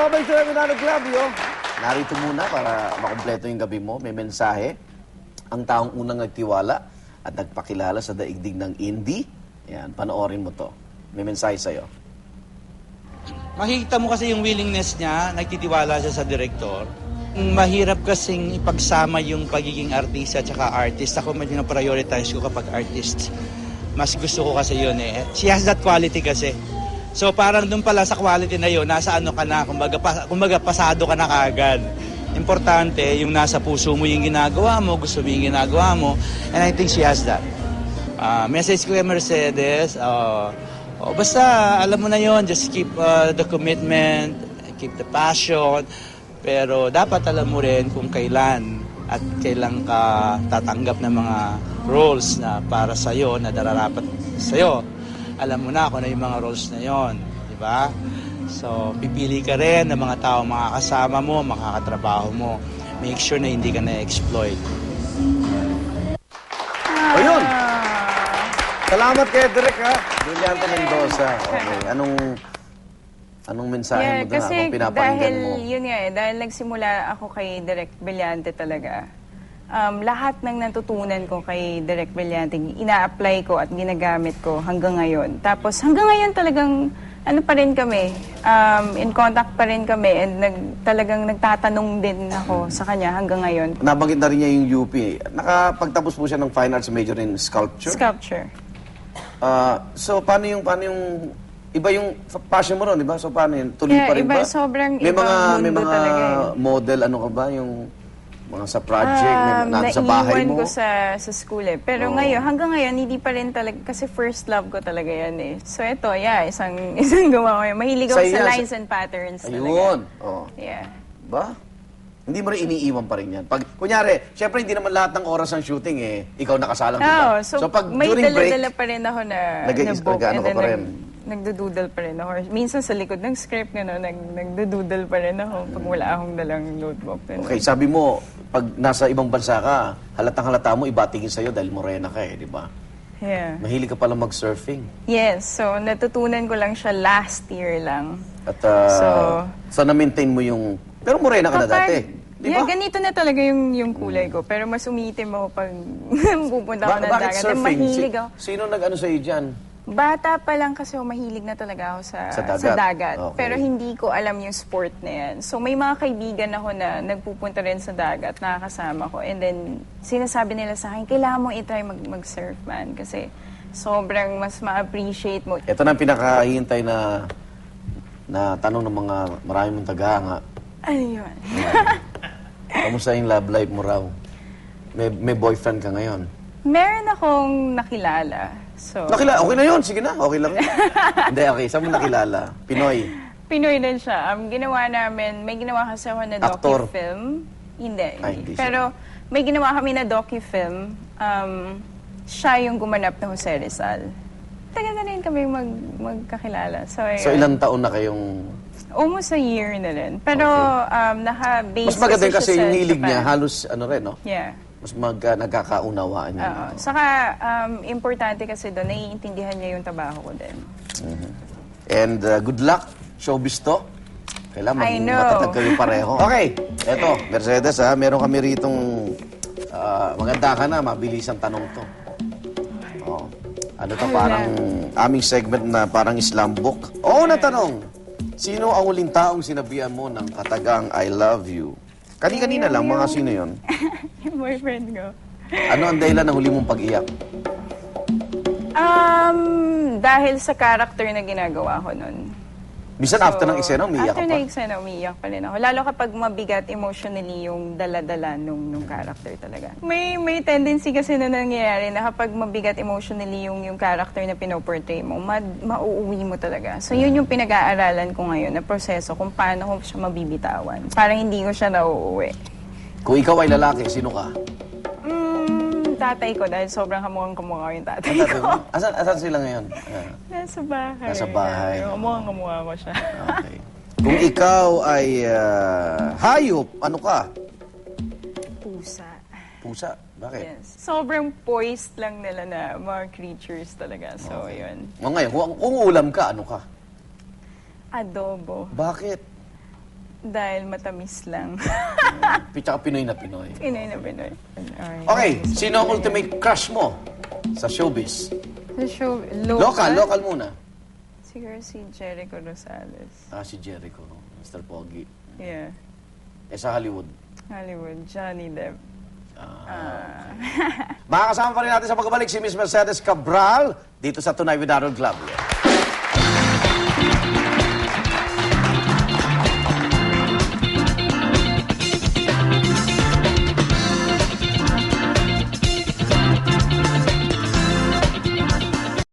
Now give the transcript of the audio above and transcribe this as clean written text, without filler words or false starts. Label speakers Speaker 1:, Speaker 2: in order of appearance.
Speaker 1: babalik sa Manalo Club, yo. Narito muna para makumpleto yung gabi mo. May mensahe. Ang taong unang nagtiwala at nagpakilala sa daigdig ng indie. Yan, panoorin mo to. May mensahe sa'yo.
Speaker 2: Makikita mo kasi yung willingness niya, nagtitiwala siya sa director. Mahirap kasing ipagsama yung pagiging artista at saka artist. Ako medyo na-prioritize ko kapag artist. Mas gusto ko kasi yun eh. She has that quality kasi. So parang dun pala sa quality na yun, nasa ano ka na, kumbaga pasado ka na kaagad. Importante, yung nasa puso mo yung ginagawa mo, gusto mo yung ginagawa mo, and I think she has that. Message ko kay Mercedes, basta alam mo na yon, just keep the commitment, keep the passion, pero dapat alam mo rin kung kailan at kailan ka tatanggap ng mga roles na para sa'yo, na dararapat sa'yo. Alam mo na kung ano yung mga roles na yon, di ba? So, pipili ka rin ng mga tao makakasama mo, makakatrabaho mo. Make sure na hindi ka na-exploit.
Speaker 1: O yun! Salamat kay Direk, ha? Brillante Mendoza. Okay, anong mensahe mo doon
Speaker 3: kasi
Speaker 1: habang pinapakinggan mo?
Speaker 3: Yun nga dahil nagsimula ako kay Direk Brillante talaga. Lahat ng natutunan ko kay Direk Brillante, ina-apply ko at ginagamit ko hanggang ngayon. Tapos hanggang ngayon talagang ano pa rin kami, in contact pa rin kami, and talagang nagtatanong din ako sa kanya hanggang ngayon.
Speaker 1: Nabanggit na rin niya yung UP. Nakapagtapos po siya ng Fine Arts major in Sculpture?
Speaker 3: Sculpture.
Speaker 1: So, paano yung iba yung passion mo ron, di ba? So, paano yun? Tuloy pa rin
Speaker 3: iba,
Speaker 1: ba?
Speaker 3: sobrang
Speaker 1: may
Speaker 3: ibang
Speaker 1: mga
Speaker 3: mundo talaga
Speaker 1: model, ano ka ba? Yung mga sa project, sa bahay mo?
Speaker 3: Naiwan ko sa school eh. Pero ngayon, hanggang ngayon, hindi pa rin talaga, kasi first love ko talaga yan eh. So ito, isang gawa ko yun. Mahilig ako sa lines and patterns talaga.
Speaker 1: Ayun. Oh.
Speaker 3: Yeah.
Speaker 1: Ba? Hindi mo rin iniiwan pa rin yan. Pag, kunyari, syempre hindi naman lahat ng oras ng shooting eh, ikaw nakasalang, di ba?
Speaker 3: So pag may
Speaker 1: during break,
Speaker 3: dala-dala pa rin ako na book.
Speaker 1: Nag-ano ka pa rin?
Speaker 3: Nagdududal pa rin ako. Minsan sa likod ng script, nagdududal pa rin ako pag wala akong dalang notebook.
Speaker 1: Okay, sabi mo, pag nasa ibang bansa ka, halatang-halata mo, ibatingin sa'yo dahil morena ka eh, di ba?
Speaker 3: Yeah.
Speaker 1: Mahilig ka pala mag-surfing.
Speaker 3: Yes, so natutunan ko lang siya last year lang.
Speaker 1: At so na-maintain mo yung... Pero morena ka na dati, di ba?
Speaker 3: Yeah, ganito na talaga yung kulay ko. Pero mas umiitim ako pag pupunta ako ng
Speaker 1: Bakit
Speaker 3: dagat.
Speaker 1: surfing?
Speaker 3: Mahilig ako.
Speaker 1: Sino nag-ano sa'yo dyan?
Speaker 3: Bata pa lang kasi mahilig na talaga ako sa dagat.
Speaker 1: Okay.
Speaker 3: Pero hindi ko alam yung sport na yan. So may mga kaibigan ako na nagpupunta rin sa dagat, nakakasama ko. And then sinasabi nila sa akin, kailangan mo i-try mag-surf man. Kasi sobrang mas ma-appreciate mo.
Speaker 1: Ito na ang pinakahihintay na tanong ng mga maraming mong tagahanga.
Speaker 3: Ano yun?
Speaker 1: Kamusta yung love life mo raw? May boyfriend ka ngayon?
Speaker 3: Meron akong nakilala. So,
Speaker 1: Nakilala? Okay na yun. Sige na. Okay lang yun. Hindi, okay. Saan mo nakilala? Pinoy?
Speaker 3: Pinoy din siya. Ginawa namin, may ginawa kasi ako na
Speaker 1: Actor?
Speaker 3: docu-film. Hindi.
Speaker 1: Hindi siya.
Speaker 3: Pero may ginawa kami na docu-film. Siya yung gumanap na Jose Rizal. Tagal na rin kami magkakilala. So
Speaker 1: ilang taon na kayong...
Speaker 3: Almost a year na rin. Pero naka-base
Speaker 1: Mas maganda
Speaker 3: siya
Speaker 1: kasi
Speaker 3: sa
Speaker 1: yung hilig
Speaker 3: Japan.
Speaker 1: niya, halos ano rin, no?
Speaker 3: Yeah.
Speaker 1: Mas nagkakaunawaan niya.
Speaker 3: Oo. Saka, importante kasi doon, naiintindihan niya yung trabaho ko din.
Speaker 1: And good luck, showbiz to. Kailangan
Speaker 3: I know.
Speaker 1: matatag kayo pareho. Okay, eto, Mercedes ha, meron kami ritong maganda ka na, mabilis ang tanong to. Oh. Ano to, parang aming segment na parang Islam book. Oo na tanong, sino ang huling taong sinabihan mo ng katagang I love you? Kani-kanina lang, mga sino yon?
Speaker 3: Yung boyfriend ko.
Speaker 1: Ano ang dahilan ng huli mong pag-iyak?
Speaker 3: Dahil sa character na ginagawa ko nun.
Speaker 1: Bisan after ng eksena, umiiyak ka
Speaker 3: After
Speaker 1: pa?
Speaker 3: ng eksena, umiiyak pa rin ako. Lalo kapag mabigat emotionally yung dala-dala nung character talaga. May tendency kasi na nangyayari na kapag mabigat emotionally yung character na pinoportray mo, mauuwi mo talaga. So yun yung pinag-aaralan ko ngayon na proseso kung paano ko siya mabibitawan. Parang hindi ko siya nauuwi.
Speaker 1: Kung ikaw ay lalaki, sino ka?
Speaker 3: Tatay ko dahil sobrang kamukhang-kamukha yung tatay
Speaker 1: Ang tatay
Speaker 3: ko.
Speaker 1: mo? Asan sila ngayon?
Speaker 3: Nasa bahay.
Speaker 1: Nasa bahay.
Speaker 3: Kamukhang-kamukha ko siya.
Speaker 1: Okay. Kung ikaw ay hayop, ano ka?
Speaker 3: Pusa.
Speaker 1: Pusa? Bakit?
Speaker 3: Yes. Sobrang poised lang nila na mga creatures talaga. So, yun.
Speaker 1: O ngayon, kung ulam ka, ano ka?
Speaker 3: Adobo.
Speaker 1: Bakit?
Speaker 3: Dahil matamis lang.
Speaker 1: Tsaka Pinoy na Pinoy.
Speaker 3: Pinoy na Pinoy. Alright.
Speaker 1: Okay, sino ang ultimate crush mo sa showbiz?
Speaker 3: Sa show,
Speaker 1: Local muna.
Speaker 3: Siguro si Jericho Rosales.
Speaker 1: Si Jericho, Mr. Pogi.
Speaker 3: Yeah.
Speaker 1: Sa Hollywood.
Speaker 3: Hollywood, Johnny Depp.
Speaker 1: Makakasama pa rin natin sa pagbabalik si Miss Mercedes Cabral dito sa Tonight with Harold Club.